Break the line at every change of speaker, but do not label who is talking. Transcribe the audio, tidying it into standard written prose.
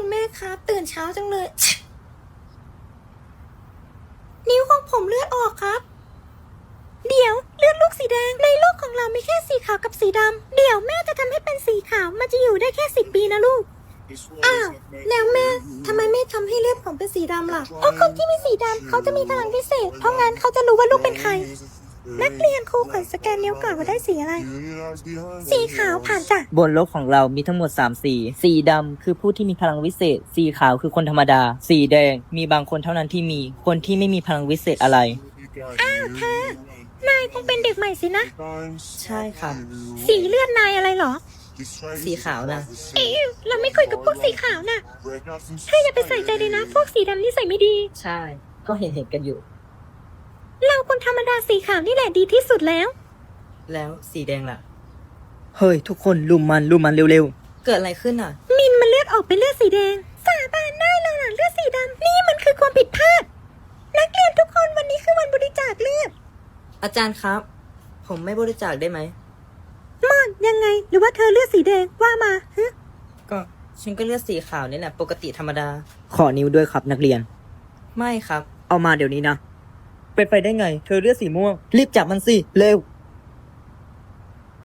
คุณแม่ครับตื่นเช้าจังเลย นิ้วของผมเลือดออกครับเดี๋ยวเลือดลูกสีแดงในโลกของเรามีแค่สีขาวกับสีดำเดี๋ยวแม่จะทำให้เป็นสีขาวมันจะอยู่ได้แค่10 ปีนะลูกอ้าวแล้วแม่ทำไมไม่ทำให้เลือดผมเป็นสีดำล่ะเพราะคนที่มีสีดำเขาจะมีพลังพิเศษเพราะงั้นเขาจะรู้ว่าลูกเป็นใครนักเรียนครูขอสแกนนิ้วก่อนว่าได้สีอะไรสีขาวผ่านจ้ะ
บนโลกของเรามีทั้งหมด3สีสีดำคือผู้ที่มีพลังวิเศษสีขาวคือคนธรรมดาสีแดงมีบางคนเท่านั้นที่มีคนที่ไม่มีพลังวิเศษอะไร
อ้าวเธอนายคงเป็นเด็กใหม่สินะ
ใช่ครับ
สีเลือดนายอะไรเหรอ
สีขาวนะ
เอ๊ะเราไม่คุยกับพวกสีขาวนะเธออย่าไปใส่ใจเลยนะ พวกสีดำนี่ใส่ไม่ดี
ใช่ก็เห็นกันอยู่
เราคนธรรมดาสีขาวนี่แหละดีที่สุดแล้ว
แล้วสีแดงล่ะเฮ้ยทุกคนลุมมันเร็วๆเกิดอะไรขึ้นอ่ะ
มินมันเลือดออกเป็นเลือดสีแดง สาบานได้เลยนะเลือดสีดำนี่มันคือความผิดพลาด นักเรียนทุกคนวันนี้คือวันบริจาคเลือด
อาจารย์ครับ ผมไม่บริจาคได้ไหม
มอนยังไงหรือว่าเธอเลือดสีแดงว่ามาฮะ
ก็ฉันก็เลือกสีขาวนี่แหละปกติธรรมดาขอนิ้วด้วยครับนักเรียนไม่ครับเอามาเดี๋ยวนี้นะเป็นไปได้ไงเธอเลือกสีม่วงรีบจับมันสิเร็ว